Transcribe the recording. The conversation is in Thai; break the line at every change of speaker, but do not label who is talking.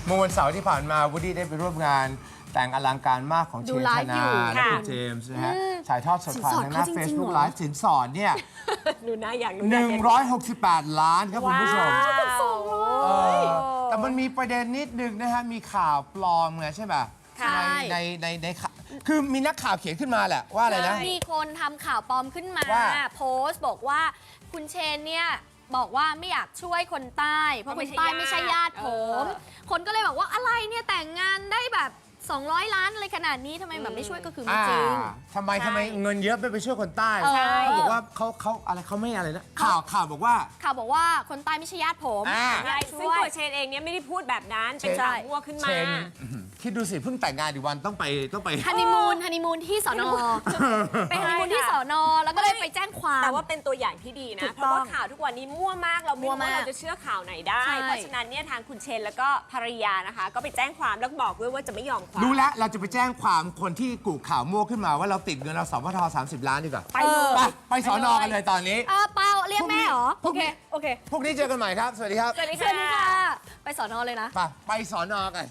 เมื่อวันเสาร์ที่ผ่านมาวูดดี้ได้ไปร่วมงานแต่งอลังการมากของเชนธนาและคุณเจมส์นะฮะถ่ายทอดสดผ่านทางหน้า Facebook Live สินสอดเนี่ย
ดูนะอยากรู้
168 ล้านครับคุณผู้ชม แต่มันมีประเด็นนิดนึงนะฮะ มีข่าวปลอมไงใช่ไหมในคือมีนักข่าวเขียนขึ้นมาแหละว่าอะไรนะ
มีคนทำข่าวปลอมขึ้นมา โพสต์บอกว่าคุณเชนเนี่ยบอกว่าไม่อยากช่วยคนใต้ เพราะคนใต้ไม่ใช่ญาติผม คนก็เลยบอกว่าอะไรเนี่ยแต่งงานได้แบบ200 ล้านอะไรขนาดนี้ทำไมแบบไม่ช่วยก็คือไม่จริง
ทำไมเงินเยอะไปช่วยคนใต้
ใช่
เขาบอกว่าเขาอะไรเขาไม่อะไรนะข่าวบอกว่า
บอกว่าคนใต้ไม่ใช่ญาติผม
ใช่ซึ่งตัวเชนเองเนี่ยไม่ได้พูดแบบนั้นเป็นข่าวมั่วขึ้นมา
คิดดูสิเพิ่งแต่งงานอีกวันต้องไป
ฮันนีมูนที่สอนอไปฮันนีมูนที่สอนอแล้วก็เลยไปแจ้งความ
แต่ว่าเป็นตัวอย่างที่ดีนะเพราะว่าข่าวทุกวันนี้มั่วมากเราไม่รู้ว่าเราจะเชื่อข่าวไหนได้ เพราะฉะนั้นเนี่ยทางคุณเชนแล้วก็ภรรยานะคะก็ไปแจ้งความแล้วบอกด้วยว่าจะไม่ยอมความ
รู้แล้วเราจะไปแจ้งความคนที่กุข่าวมั่วขึ้นมาว่าเราติดเงินเราสพท30 ล้านดีกว่าไปสอนอกันเลยตอนนี้
เปล่าเรียกแม่เหรอโอเค
พวกนี้เจอกันใหม่ครับสวัสดีครับ
สวัสดีค่ะไปสอนอเลยนะ
ไปสอนอกัน